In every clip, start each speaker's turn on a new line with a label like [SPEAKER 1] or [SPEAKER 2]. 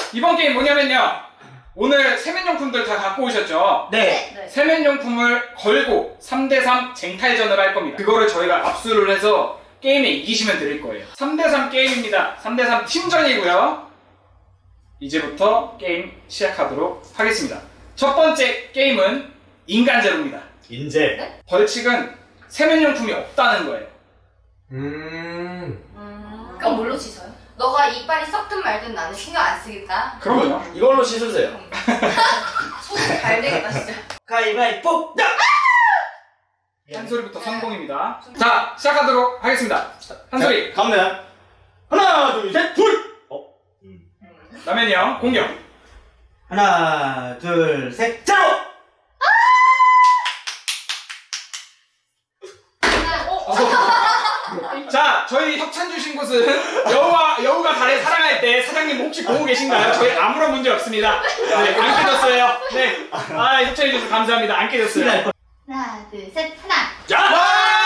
[SPEAKER 1] 이번 게임 뭐냐면요. 오늘 세면용품들 다 갖고 오셨죠?
[SPEAKER 2] 네.
[SPEAKER 3] 네.
[SPEAKER 1] 세면용품을 걸고 3대3 쟁탈전을 할 겁니다. 그거를 저희가 압수를 해서 게임에 이기시면 드릴 거예요. 3대3 게임입니다. 3대3 팀전이고요. 이제부터 게임 시작하도록 하겠습니다. 첫 번째 게임은 인간제로입니다.
[SPEAKER 2] 인제.
[SPEAKER 1] 벌칙은 세면용품이 없다는 거예요.
[SPEAKER 3] 그럼 뭘로 씻어요? 너가 이빨이 썩든 말든 나는 신경 안 쓰겠다.
[SPEAKER 1] 그럼요.
[SPEAKER 2] 이걸로 씻으세요.
[SPEAKER 3] 손이 잘 되겠다 진짜.
[SPEAKER 2] 가위바위보.
[SPEAKER 1] 한 소리부터 성공입니다. 자, 시작하도록 하겠습니다. 한 소리.
[SPEAKER 2] 가면 하나, 둘, 셋, 둘.
[SPEAKER 1] 라면이 형, 공격.
[SPEAKER 2] 하나, 둘, 셋, 제로.
[SPEAKER 1] 자, 저희 협찬 주신 곳은 여우가 달에 사랑할 때 사장님 혹시 보고 계신가요? 저희 아무런 문제 없습니다. 네, 안 깨졌어요. 네. 아, 협찬해 주셔서 감사합니다. 안 깨졌어요.
[SPEAKER 3] 하나, 둘, 셋, 하나.
[SPEAKER 2] 자.
[SPEAKER 1] 와!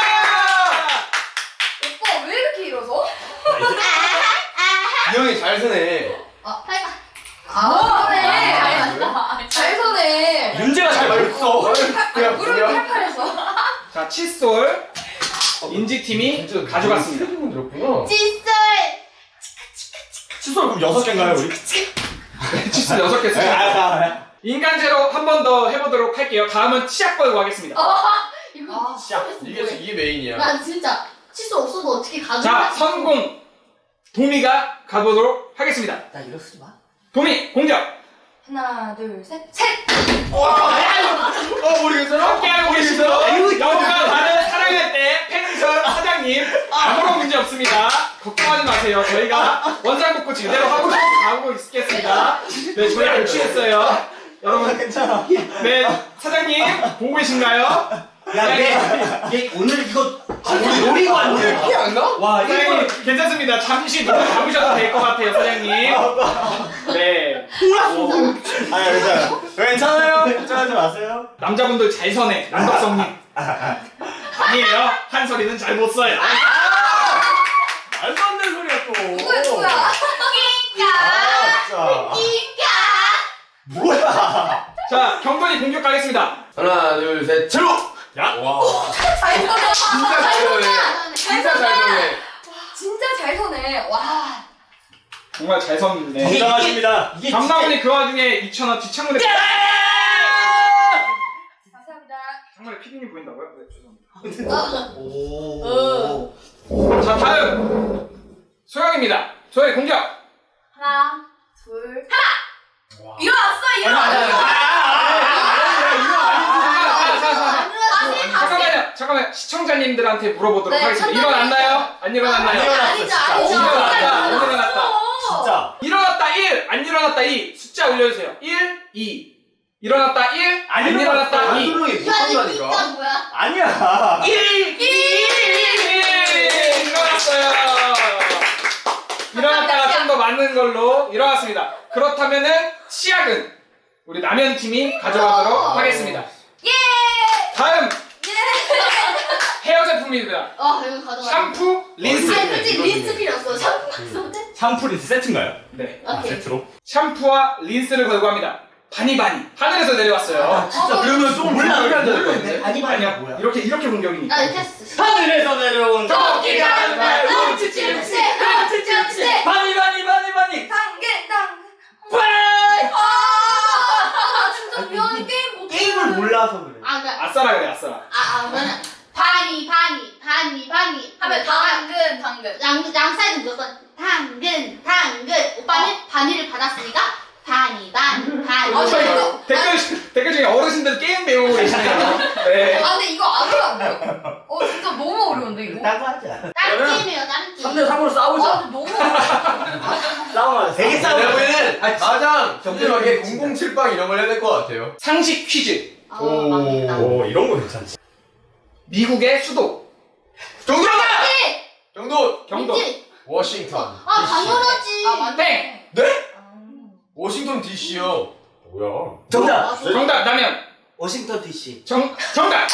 [SPEAKER 3] 오빠 왜 이렇게 일어서?
[SPEAKER 4] 이 형이 잘 서네.
[SPEAKER 3] 잘 서네.
[SPEAKER 2] 문제가 잘 맞았어.
[SPEAKER 4] 그냥
[SPEAKER 3] 무릎이
[SPEAKER 4] 뭐야?
[SPEAKER 3] 팔팔해서.
[SPEAKER 1] 자, 칫솔 인지팀이 가져갔습니다.
[SPEAKER 4] 분 들었구나.
[SPEAKER 3] 칫솔.
[SPEAKER 2] 칫솔 그럼 6개인가요 우리?
[SPEAKER 1] 칫솔 6개 쓰죠. 인간제로 한 번 더 해보도록 할게요. 다음은 치약 걸고 하겠습니다.
[SPEAKER 3] 이거
[SPEAKER 2] 시작.
[SPEAKER 4] 이게 메인이야.
[SPEAKER 3] 난 진짜 칫솔 없어도 어떻게 가져?
[SPEAKER 1] 자, 선공 도미가 가보도록 하겠습니다.
[SPEAKER 2] 나 이거 쓰지 마.
[SPEAKER 1] 도미 공격.
[SPEAKER 3] 하나, 둘, 셋, 셋.
[SPEAKER 4] 모르겠어?
[SPEAKER 1] 함께하고 계시죠? 여우가 다들 사랑할 때 펜션 사장님 아무런 문제 없습니다. 걱정하지 마세요. 저희가 원장복구 제대로 하고 있겠습니다. 네, 저희 안 취했어요. 여러분
[SPEAKER 2] 괜찮아.
[SPEAKER 1] 네, 사장님 보고 계신가요?
[SPEAKER 2] 야, 얘 오늘 이거 우리 노리고 왔네.
[SPEAKER 4] 피 안 나?
[SPEAKER 2] 와,
[SPEAKER 1] 사장님 괜찮습니다. 잠시 눈을 감으셔도 될 것 같아요, 사장님. 네.
[SPEAKER 2] 아, 괜찮아요. 괜찮아요. 걱정하지 마세요.
[SPEAKER 1] 남자분들 잘 서네, 남덕성님. 아니에요. 한 소리는 잘 못 써요.
[SPEAKER 2] 말도 안 되는 소리야 또.
[SPEAKER 3] 누구야?
[SPEAKER 2] 아, 진짜. 뭐야?
[SPEAKER 1] 자, 경건이 공격 가겠습니다.
[SPEAKER 4] 하나, 둘, 셋, 제로!
[SPEAKER 2] 야.
[SPEAKER 4] 와.
[SPEAKER 3] 잘 서네.
[SPEAKER 4] 진짜 잘 서네. 진짜 잘 서네.
[SPEAKER 3] 진짜 잘 서네. 와.
[SPEAKER 1] 정말 잘 섰네.
[SPEAKER 2] 인정하십니다.
[SPEAKER 1] 장나분이 그 와중에 2,000원 뒷창문에
[SPEAKER 3] 감사합니다.
[SPEAKER 1] 정말 피디님 보인다고요? 네, 죄송합니다.
[SPEAKER 2] 오.
[SPEAKER 1] 자, 다음 소영입니다. 소영의 공격.
[SPEAKER 3] 하나, 둘, 하나. 일어났어.
[SPEAKER 1] 잠깐만요. 시청자님들한테 물어보도록
[SPEAKER 3] 네,
[SPEAKER 1] 하겠습니다.
[SPEAKER 3] 잠깐만요.
[SPEAKER 1] 일어났나요? 안 일어났나요?
[SPEAKER 2] 안 일어났어,
[SPEAKER 3] 아니죠,
[SPEAKER 2] 진짜.
[SPEAKER 3] 아니죠.
[SPEAKER 1] 일어났다. 안 일어났다.
[SPEAKER 2] 진짜.
[SPEAKER 1] 일어났다 1, 안 일어났다 2. 숫자 올려주세요. 1, 2. 일어났다 1, 안 일어났다
[SPEAKER 4] 안
[SPEAKER 1] 2.
[SPEAKER 4] 소름이 못한다니까.
[SPEAKER 3] 뭐야?
[SPEAKER 2] 아니야.
[SPEAKER 1] 1, 2, 일어났어요. 일어났다가 좀 더 많은 걸로 일어났습니다. 그렇다면은 치약은 우리 남현 팀이 가져가도록 하겠습니다.
[SPEAKER 3] 예.
[SPEAKER 1] 다음 헤어 제품입니다.
[SPEAKER 3] 이거 가져가.
[SPEAKER 1] 샴푸, 린스.
[SPEAKER 3] 아니 솔직히 린스 필요 없어. 샴푸 때.
[SPEAKER 2] 샴푸 린스 세트인가요?
[SPEAKER 1] 네.
[SPEAKER 2] 아,
[SPEAKER 3] 오케이.
[SPEAKER 2] 세트로?
[SPEAKER 1] 샴푸와 린스를 걸고 합니다. 바니바니. 하늘에서 내려왔어요.
[SPEAKER 2] 진짜 그러면 좀 올라가야 될 것 같은데.
[SPEAKER 1] 아니요. 이렇게 공격이니까.
[SPEAKER 3] 나 이렇게 했어.
[SPEAKER 2] 하늘에서 내려온
[SPEAKER 3] 토끼가 날 훔치지
[SPEAKER 2] 바니.
[SPEAKER 3] 진짜 미안해 게임 못해.
[SPEAKER 2] 게임을 몰라서 그래.
[SPEAKER 3] 그러니까
[SPEAKER 1] 아싸라 그래, 아싸라.
[SPEAKER 3] 그러면 바니 하면 당근 양 사이즈 무조건 당근 오빠는 바니를 받았으니까 바니
[SPEAKER 1] 댓글 중에 어르신들 게임 배우고 계시네요. 네.
[SPEAKER 3] 근데 이거 안 어려운데요? 진짜 너무 어려운데 이거?
[SPEAKER 2] 따고 하자.
[SPEAKER 3] 다른 게임이에요 다른 게임
[SPEAKER 2] 3대3으로 싸우자.
[SPEAKER 3] 너무
[SPEAKER 2] 싸우면 되게
[SPEAKER 4] 내가
[SPEAKER 2] 싸우자.
[SPEAKER 4] 보기에는 가장 정확하게 007빵 이런 걸 해야 될 것 같아요.
[SPEAKER 1] 상식 퀴즈.
[SPEAKER 3] 맞겠다.
[SPEAKER 2] 오, 이런 거 괜찮지.
[SPEAKER 1] 미국의 수도.
[SPEAKER 4] 정답! 정도!
[SPEAKER 1] 경도.
[SPEAKER 3] 민지.
[SPEAKER 4] 워싱턴.
[SPEAKER 3] 당연하지
[SPEAKER 1] 땡.
[SPEAKER 4] 네? 워싱턴 DC요.
[SPEAKER 2] 뭐야? 정답.
[SPEAKER 1] 정답 나면.
[SPEAKER 2] 워싱턴 DC.
[SPEAKER 1] 정답.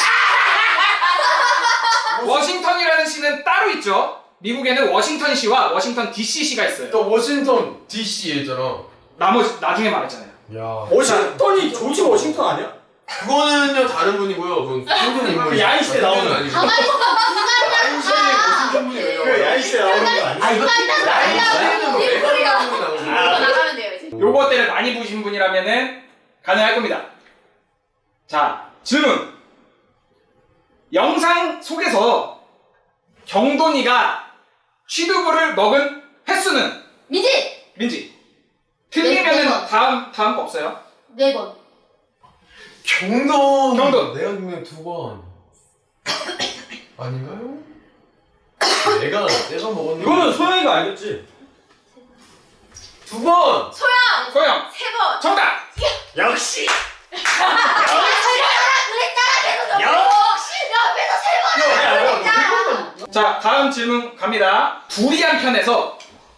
[SPEAKER 1] 워싱턴이라는 시는 따로 있죠. 미국에는 워싱턴시와 워싱턴 DC시가 있어요.
[SPEAKER 4] 또 워싱턴 DC였잖아.
[SPEAKER 1] 나머지 나중에 말했잖아요.
[SPEAKER 4] 야.
[SPEAKER 2] 워싱턴이 조지 워싱턴 아니야?
[SPEAKER 4] 그거는요 다른 분이고요. 그건 생존 인물.
[SPEAKER 2] 야인시대 나오는
[SPEAKER 4] 아니고.
[SPEAKER 5] 가만히 있어.
[SPEAKER 4] 야인시대에 무슨 분이 왜
[SPEAKER 2] 그 야인시대 나오는 거 아니야?
[SPEAKER 4] 아 이거 야인시대는 뭐 애가 나오는
[SPEAKER 5] 이거
[SPEAKER 4] 거고.
[SPEAKER 5] 나가면 돼요 이제.
[SPEAKER 1] 요것들을 많이 보신 분이라면은 가능할 겁니다. 자, 질문. 영상 속에서 경돈이가 취두부를 먹은 횟수는?
[SPEAKER 5] 민지
[SPEAKER 1] 민지.
[SPEAKER 5] 네
[SPEAKER 1] 틀리면은
[SPEAKER 5] 번.
[SPEAKER 1] 다음 거 없어요?
[SPEAKER 5] 4번.
[SPEAKER 4] 경돈.
[SPEAKER 1] 경돈.
[SPEAKER 4] 내가 보면 2번. 아닌가요? 내가 먹었는데.
[SPEAKER 2] 이거는 소영이가 알겠지?
[SPEAKER 4] 2번.
[SPEAKER 1] 소영.
[SPEAKER 3] 3번.
[SPEAKER 1] 정답!
[SPEAKER 2] 역시!
[SPEAKER 1] 자, 다음 질문 갑니다. 두리안 편에서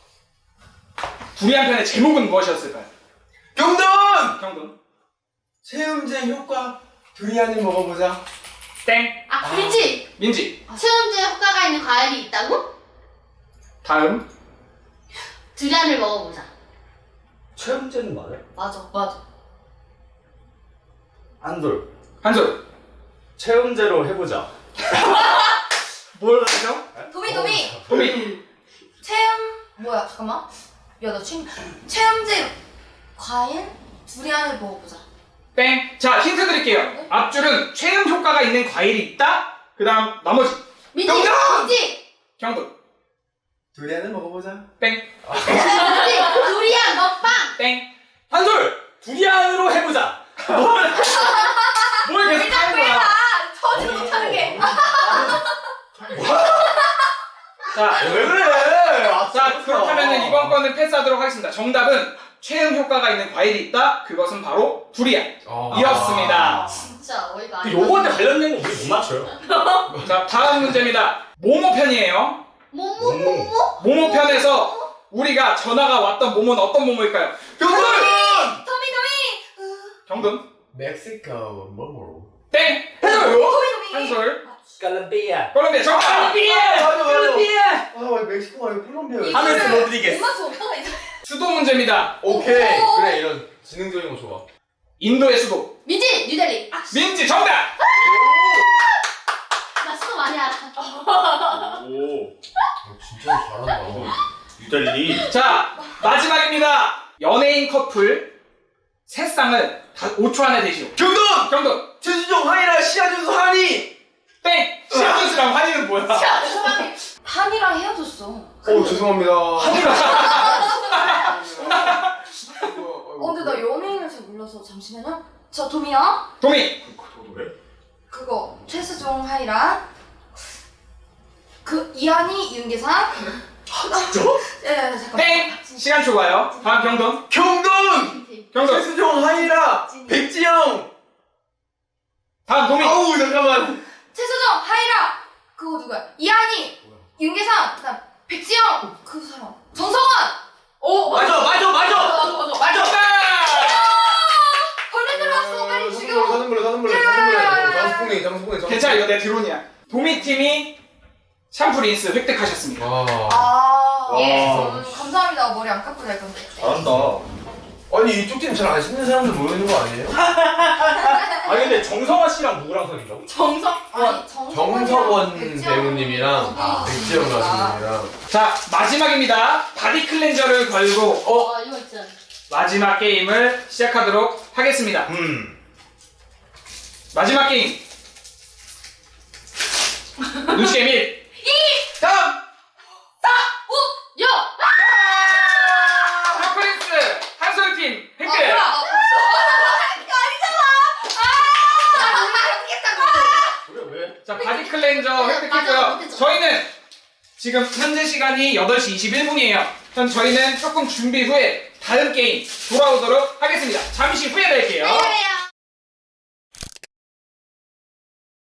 [SPEAKER 1] 두리안 편의 제목은 무엇이었을까요?
[SPEAKER 4] 경돈.
[SPEAKER 1] 경돈.
[SPEAKER 4] 체험제 효과. 두리안을 먹어보자.
[SPEAKER 1] 땡.
[SPEAKER 5] 아 민지.
[SPEAKER 1] 민지.
[SPEAKER 5] 체온제 효과가 있는 과일이 있다고?
[SPEAKER 1] 다음.
[SPEAKER 5] 두리안을 먹어보자.
[SPEAKER 2] 최음제는 맞아?
[SPEAKER 5] 맞아.
[SPEAKER 2] 안돌.
[SPEAKER 1] 한솔.
[SPEAKER 2] 체음제로 해보자.
[SPEAKER 1] 뭘 하죠?
[SPEAKER 3] 도미.
[SPEAKER 1] 도미.
[SPEAKER 3] 뭐야, 잠깐만. 야, 나 지금 체험제 과일 두리안을 먹어보자.
[SPEAKER 1] 땡. 자, 힌트 드릴게요. 앞줄은 최음 효과가 있는 과일이 있다. 그 다음 나머지.
[SPEAKER 5] 민지.
[SPEAKER 1] 정답!
[SPEAKER 5] 민지.
[SPEAKER 1] 경돈.
[SPEAKER 4] 두리안을 먹어보자.
[SPEAKER 1] 땡.
[SPEAKER 5] 민지. 두리안 먹방.
[SPEAKER 1] 땡.
[SPEAKER 2] 한솔! 두리안으로 해보자!
[SPEAKER 1] 뭘 계속 하는 거야?
[SPEAKER 3] 터지 못하는 게.
[SPEAKER 1] 자,
[SPEAKER 2] 왜 그래?
[SPEAKER 1] 자, 그렇다면 이번 거는 패스하도록 하겠습니다. 정답은 최음 효과가 있는 과일이 있다. 그것은 바로 두리안. 이었습니다.
[SPEAKER 5] 진짜 어이가
[SPEAKER 2] 그
[SPEAKER 5] 아니야.
[SPEAKER 2] 요번에 관련된 거 우리 못 맞춰요.
[SPEAKER 1] 자, 다음 문제입니다. 모모 편이에요.
[SPEAKER 5] 뭐뭐?
[SPEAKER 1] 모모 편에서 우리가 전화가 왔던 모모는 어떤 모모일까요?
[SPEAKER 4] 경돈.
[SPEAKER 3] 도미.
[SPEAKER 1] 경돈.
[SPEAKER 4] 멕시코 뭐뭐.
[SPEAKER 1] 땡.
[SPEAKER 3] 도미.
[SPEAKER 1] 한솔.
[SPEAKER 2] 콜롬비아.
[SPEAKER 1] 콜롬비아 정답.
[SPEAKER 4] 맞아. 아 멕시코가 아니고 콜롬비아.
[SPEAKER 2] 하면서
[SPEAKER 3] 못
[SPEAKER 2] 로드리게스.
[SPEAKER 3] 맞춰, 오빠가 이제.
[SPEAKER 1] 수도 문제입니다.
[SPEAKER 4] 오케이.
[SPEAKER 3] 오.
[SPEAKER 4] 그래 이런 지능적인 거 좋아.
[SPEAKER 1] 인도의 수도.
[SPEAKER 5] 민지. 뉴델리.
[SPEAKER 1] 민지 정답.
[SPEAKER 5] 나 수도 많이 알아.
[SPEAKER 2] 오.
[SPEAKER 4] 진짜 잘한다.
[SPEAKER 2] 유달리.
[SPEAKER 1] 자, 마지막입니다. 연예인 커플 세 쌍을 5초 안에 대시오.
[SPEAKER 4] 경돈.
[SPEAKER 1] 경돈.
[SPEAKER 4] 최수종 하이라 시아준수 하니.
[SPEAKER 1] 땡. 시아준스랑 환희는 뭐야?
[SPEAKER 3] 한이랑 헤어졌어.
[SPEAKER 4] 오 죄송합니다.
[SPEAKER 3] 근데 나 연예인을 잘 몰라서 잠시만요. 저 도미야.
[SPEAKER 1] 도미.
[SPEAKER 3] 그거 최수종 하이랑 그 이한이 윤계상.
[SPEAKER 2] 진짜?
[SPEAKER 3] 예, 잠깐만.
[SPEAKER 1] 땡. 시간 초과요. 다음 경돈.
[SPEAKER 4] 경돈.
[SPEAKER 1] 경돈.
[SPEAKER 4] 최수종 하이라 백지영.
[SPEAKER 1] 다음 도미.
[SPEAKER 4] 아우 잠깐만.
[SPEAKER 3] 최수종 하이랑 그거 누구야? 이한이 윤계상 그다음 백지영 그 사람 정성원. 오
[SPEAKER 2] 맞아.
[SPEAKER 1] 정답.
[SPEAKER 3] 벌레 들어왔어 빨리 죽여.
[SPEAKER 4] 장수풍뎅이.
[SPEAKER 1] 괜찮아, 이거 내 드론이야. 도미 팀이 샴푸 린스 획득하셨습니다.
[SPEAKER 3] 아,
[SPEAKER 5] 예.
[SPEAKER 3] 감사합니다. 머리 안 깎고 잘 건데.
[SPEAKER 2] 잘한다.
[SPEAKER 4] 아니 이쪽 팀 잘 안 씻는 사람들 모이는 거 아니에요?
[SPEAKER 2] 아니 근데 정성화 씨랑 누구랑 사귄다고?
[SPEAKER 3] 정성 아니
[SPEAKER 4] 정석원
[SPEAKER 3] 백지영
[SPEAKER 4] 배우님이랑 백지영 가수님이랑.
[SPEAKER 1] 자, 마지막입니다. 바디 클렌저를 걸고
[SPEAKER 5] 이거 있잖아.
[SPEAKER 1] 마지막 게임을 시작하도록 하겠습니다. 마지막 게임. 눈치 게임 1. 다음.
[SPEAKER 5] 야!
[SPEAKER 1] 샴푸린스 한솔팀 획득.
[SPEAKER 3] 아니잖아.
[SPEAKER 2] 왜?
[SPEAKER 1] 자, 바디 클렌저
[SPEAKER 5] 맞아,
[SPEAKER 1] 획득했고요.
[SPEAKER 5] 못했죠.
[SPEAKER 1] 저희는 지금 현재 시간이 8시 21분이에요. 저희는 조금 준비 후에 다음 게임 돌아오도록 하겠습니다. 잠시 후에 뵐게요.
[SPEAKER 3] 안녕히 계세요.